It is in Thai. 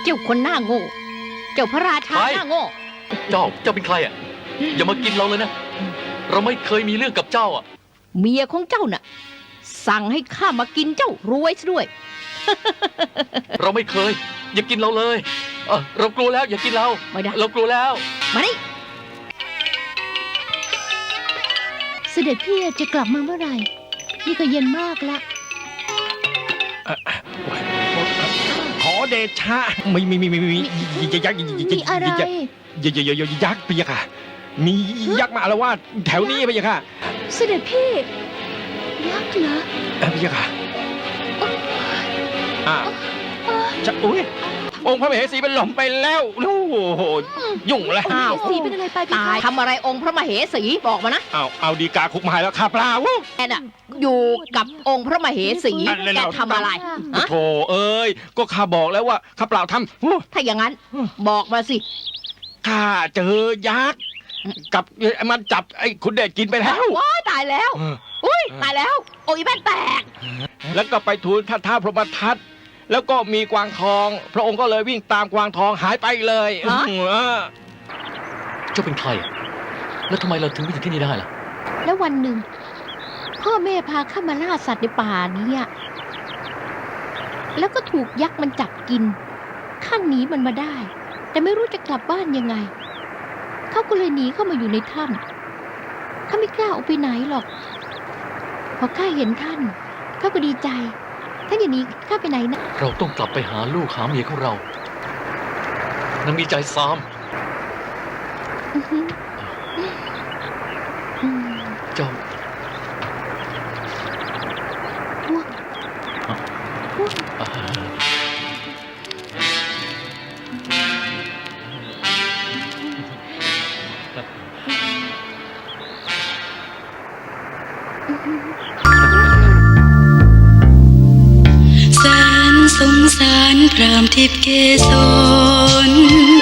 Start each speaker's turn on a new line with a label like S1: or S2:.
S1: จ้าคนหน้าโง่เจ้าพระราชาหน้าโง่
S2: เจ้าเป็นใครอ่ะอย่ามากินเราเลยนะเราไม่เคยมีเรื่องกับเจ้าอ่ะ
S1: เมียของเจ้าน่ะสั่งให้ข้ามากินเจ้ารวยซะด้วย
S2: เราไม่เคย อย่ากินเราเลยเรากลัวแล้วอย่ากินเรา
S1: ไม่ได้
S2: เรากลัวแล้ว
S1: มานี่เสด็จพี่จะกลับมาเมื่อไหร่นี่ก็เย็นมากละ
S3: ขอเดชะมียักษ์
S1: มีอะไร
S3: ยักษ์พะยะค่ะมียักษ์มาอาละวาดแถวนี้พะยะค่ะ
S1: เสด็จพี่ยักษ์เหรอ
S3: พะยะค่ะจะอุ้ยองค์พระมเหสีเป็นหล่มไปแล้วโอ้โหยุ่งแล้ว
S1: อ้าว
S4: สีเป็นอะไรไป
S1: ตายทำอะไรองค์พระมเหสีบอกมานะ
S3: เอาดีกาคุกมาแล้วข้าเปล่า
S1: แกน่ะอยู่กับองค์พระมเหสี
S3: อันนั้น
S1: แก
S3: เรา
S1: ทำอะไรฮะ
S3: โธ่เอ้ยก็ข้าบอกแล้วว่าข้าเปล่าทำ
S1: ถ้าอย่างนั้นบอกมาสิ
S3: ข้าเจอยักษ์กับมันจับไอ้คุณเดชกินไปแล้ว
S1: ว้ายตายแล้วอุ้ยตายแล้วโอ้ยแม่นแตก
S3: แล้วก็ไปทูลท่านท้าวพรหมทัตแล้วก็มีกวางทอง พระองค์ก็เลยวิ่งตามกวางทองหายไปเลย
S2: เจ้าเป็นใครอ่ะแล้วทำไมเราถึงมาถึงที่นี่ได้ล่ะ
S1: แล้ววันหนึ่งพ่อแม่พาข้ามาล่าสัตว์ในป่านี้แล้วก็ถูกยักษ์มันจับกินข้าหนีมันมาได้ แต่ไม่รู้จะกลับบ้านยังไงเขาก็เลยหนีเข้ามาอยู่ในถ้ำข้าไม่กล้าออกไปไหนหรอกพอข้าเห็นท่านเขาก็ดีใจท่านอย่าหนีข้าไปไหนนะ
S2: เราต้องกลับไปหาลูกหาเมียของเรานางมีใจซ้ำ
S1: อือหืออืม
S2: เจ้า
S1: พวก
S4: แสนสงสารพรามทิพย์เกษร